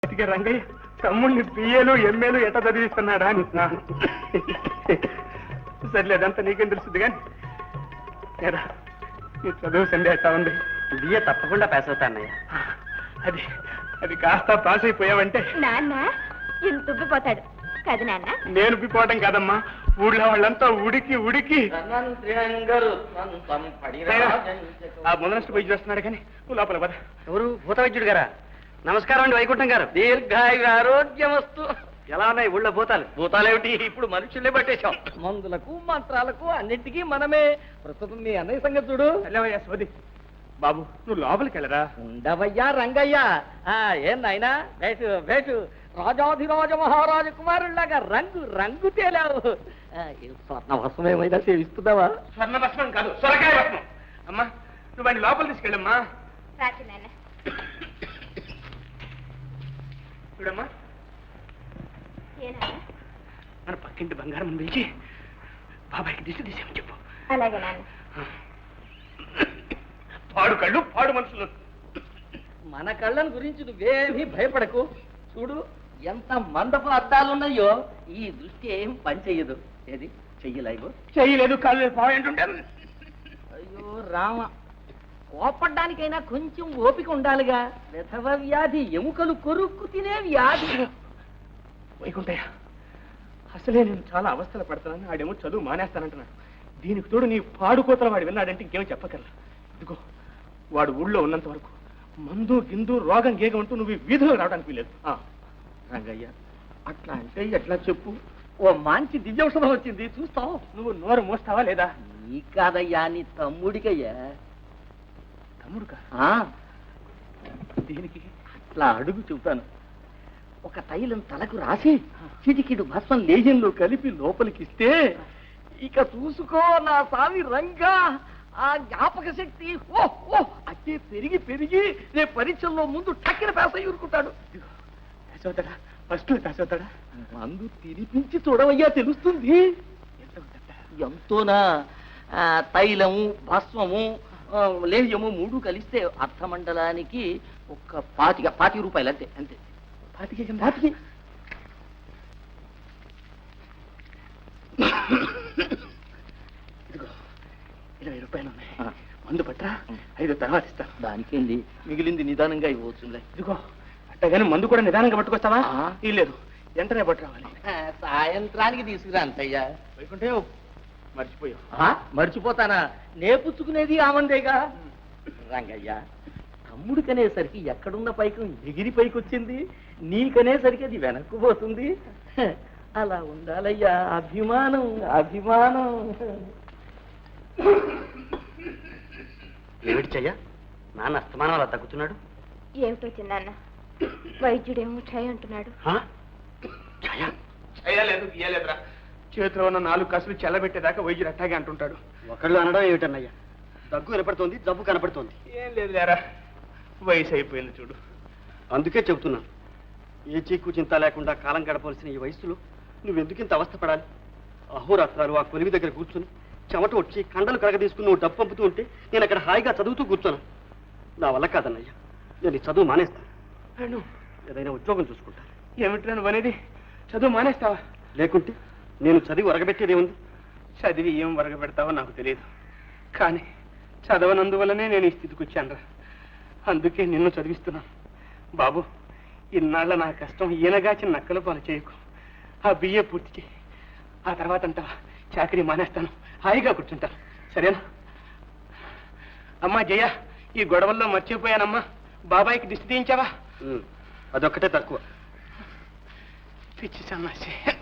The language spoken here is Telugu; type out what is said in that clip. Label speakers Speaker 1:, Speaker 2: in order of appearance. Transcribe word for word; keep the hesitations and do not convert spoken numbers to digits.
Speaker 1: రంగయ్య తమ్ముడిని బిఏలు ఎంఏలు ఎట్ట చదివిస్తున్నాడా అని. సర్లే అదంతా నీకేం తెలుస్తుంది కానీ నీ చదువు సండే ఎట్టా ఉంది?
Speaker 2: బిఏ తప్పకుండా పాస్ అవుతానయ్య.
Speaker 1: అది అది కాస్త పాస్ అయిపోయావంటే
Speaker 3: నాన్న ఇంత ఉబ్బిపోతాడు కదా నాన్న.
Speaker 1: నేను ఉబ్బిపోవడం కాదమ్మా, ఊళ్ళో వాళ్ళంతా ఉడికి ఉడికి ఆ ముందనష్ట పోయి చేస్తున్నాడు కానీ నువ్వు లోపల పద.
Speaker 2: ఎవరు? భూత వైద్యుడు గారా? నమస్కారం అండి వైకుంఠం గారు. దీర్ఘాయు ఆరోగ్యమస్తు. ఎలా ఉన్నాయి ఊళ్ళో భూతాలు?
Speaker 4: భూతాలేమిటి, ఇప్పుడు మనుషులే పట్టేశాం. మందులకు మంత్రాలకు అన్నింటికీ మనమే. ప్రస్తుతం మీ అన్నయ్య సంగతి చూడు.
Speaker 1: వెళ్ళవయ్యా సోది. బాబు నువ్వు లోపలికి వెళ్ళరా.
Speaker 4: ఉండవయ్యా రంగయ్య. ఏం నాయనా వేటు వేటు రాజాధిరాజ మహారాజ కుమారుల్లాగా రంగు రంగు తేలావు. స్వర్ణ భస్మం ఏమైనా సేవిస్తున్నావా?
Speaker 1: స్వర్ణ భస్మం కాదు, సొరకాయ భస్మం. అమ్మా నువ్వు వాడిని లోపల తీసుకెళ్ళమ్మా.
Speaker 3: రాజు నాన్న
Speaker 1: చూడమ్మా,
Speaker 3: ఏనా
Speaker 1: మన పక్కింటి బంగారం పిలిచి బాబాయ్కి దిశ తీసేమని చెప్పు.
Speaker 3: అలాగే నాన్న.
Speaker 1: పాడు కళ్ళు పాడు మనుషులు.
Speaker 4: మన కళ్ళను గురించి నువ్వేమీ భయపడకు. చూడు ఎంత మందపు అద్దాలున్నాయో, ఈ దృష్టి ఏం పని చెయ్యదు. ఏది చెయ్యలేవు?
Speaker 1: చెయ్యలేదు, కాళ్ళు పాడంటుంటే.
Speaker 4: అయ్యో రామ, కోపడ్డానికైనా కొంచెం ఓపిక ఉండాలిగా. విధవ వ్యాధి, ఎముకలు కొరుక్కు తినే వ్యాధి.
Speaker 1: వైకుంఠయ్య, అసలే నేను చాలా అవస్థలు పడుతున్నాను. ఆడేమో చదువు మానేస్తానంటున్నాడు. దీనికి తోడు నీ పాడుకోతల వాడు విన్నాడంటే ఇంకేమో చెప్పగలరా. ఇదిగో వాడు ఊళ్ళో ఉన్నంత వరకు మందు గిందు రోగం గేగ ఉంటూ నువ్వు వీధిలో రావడానికి వీలేదు.
Speaker 4: రంగయ్య అట్లా అంటే ఎట్లా చెప్పు. ఓ మంచి దివ్యౌషధం వచ్చింది, చూస్తావు.
Speaker 1: నువ్వు నోరు మోస్తావా లేదా?
Speaker 4: నీ కాదయ్యా, నీ తమ్ముడికయ్యా.
Speaker 1: తమ్ముడుకా? దీనికి
Speaker 4: అట్లా అడుగు చెబుతాను. ఒక తైలం తలకు రాసి చిటికిడు భస్మం లేజంలో కలిపి లోపలికిస్తే ఇక చూసుకో నా సామి రంగా. ఆ జ్ఞాపక శక్తి ఓ ఓ అట్టే పెరిగి పెరిగి రేపు పరీక్షల్లో ముందు టక్కిన పేస ఊరుకుంటాడు.
Speaker 1: పేసవుతాడా? ఫస్ట్ పేసవుతాడా?
Speaker 4: మందు తినిపించి చూడవయ్యా, తెలుస్తుంది. ఎంతోనా? తైలము భస్మము లేహ్యము మూడు కలిస్తే అర్థమండలానికి ఒక పాతిక పాతిక రూపాయలు అంతే. అంతే
Speaker 1: పాతికే
Speaker 4: పాతికి.
Speaker 1: ఇదిగో ఇరవై రూపాయలు ఉన్నాయి, మందు పట్టరా, ఐదు తర్వాత ఇస్తాను.
Speaker 4: దానికేంది, మిగిలింది నిదానంగా ఇవ్వచ్చులే.
Speaker 1: ఇదిగో అట్టగానే మందు కూడా నిదానంగా పట్టుకొస్తావా? లేదు, వెంటనే పట్టు రావాలి.
Speaker 4: సాయంత్రానికి తీసుకురా అంతయ్యా.
Speaker 1: వైకుంఠే మర్చిపోయావు.
Speaker 4: మర్చిపోతానా? నేపుచ్చుకునేది ఆమందేగా. రంగయ్య, తమ్ముడికనేసరికి ఎక్కడున్న పైకం ఎగిరి పైకి వచ్చింది, నీకనేసరికి అది వెనక్కు పోతుంది. అలా ఉండాలయ్యా, అభిమానం అభిమానం.
Speaker 2: ఏమిటి చెయ్య, నాన్న అస్తమానం అలా తగ్గుతున్నాడు?
Speaker 3: ఏమిటో చిన్నాన్న, వైద్యుడేమో ఛాయ్ అంటున్నాడు.
Speaker 1: చేయలేదు గీయలేదురా, చేతిలో ఉన్న నాలుగు కసులు చెల్లబెట్టేదాకా వైద్యుడు అట్టాగే అంటుంటాడు.
Speaker 2: ఒకళ్ళు అనడం ఏమిటన్నయ్యా, దగ్గు కనపడుతోంది, జబ్బు కనపడుతోంది.
Speaker 1: ఏం లేదు లేరా, వయసు అయిపోయింది చూడు.
Speaker 2: అందుకే చెబుతున్నాను, ఏ చీకు చింత లేకుండా కాలం గడపవలసిన ఈ వయసులో నువ్వెందుకు ఇంత అవస్థపడాలి? అహోరాత్రాలు ఆ కొలివి దగ్గర కూర్చుని చెమట వచ్చి కండలు కరగ తీసుకుని నువ్వు డబ్బు పంపుతూ ఉంటే నేను అక్కడ హాయిగా చదువుతూ కూర్చోను. నా వల్ల కాదన్నయ్యా, నేను ఈ చదువు మానేస్తాను. ఏదైనా ఉద్యోగం చూసుకుంటాను.
Speaker 1: ఏమిట్రా నువ్వు అనేది? చదువు మానేస్తావా?
Speaker 2: లేకుంటే నేను చదివి వరగబెట్టేదేముంది?
Speaker 1: చదివి ఏం వరగబెడతావో నాకు తెలియదు, కానీ చదవనందువల్లనే నేను ఈ స్థితికి వచ్చాను రా. అందుకే నిన్ను చదివిస్తున్నాను. బాబు, ఇన్నాళ్ళ నా కష్టం ఈయనగాచి నక్కల పాలు చేయకు. ఆ బిఏ పూర్తి చేయి, ఆ తర్వాత అంటావా చాకరీ మానేస్తాను, హాయిగా కూర్చుంటాను. సరేనా? అమ్మా జయ, ఈ గొడవల్లో మర్చిపోయానమ్మా, బాబాయికి దిష్టి తీయించావా?
Speaker 2: అదొక్కటే తక్కువ.
Speaker 1: పిచ్చి సన్నాసి.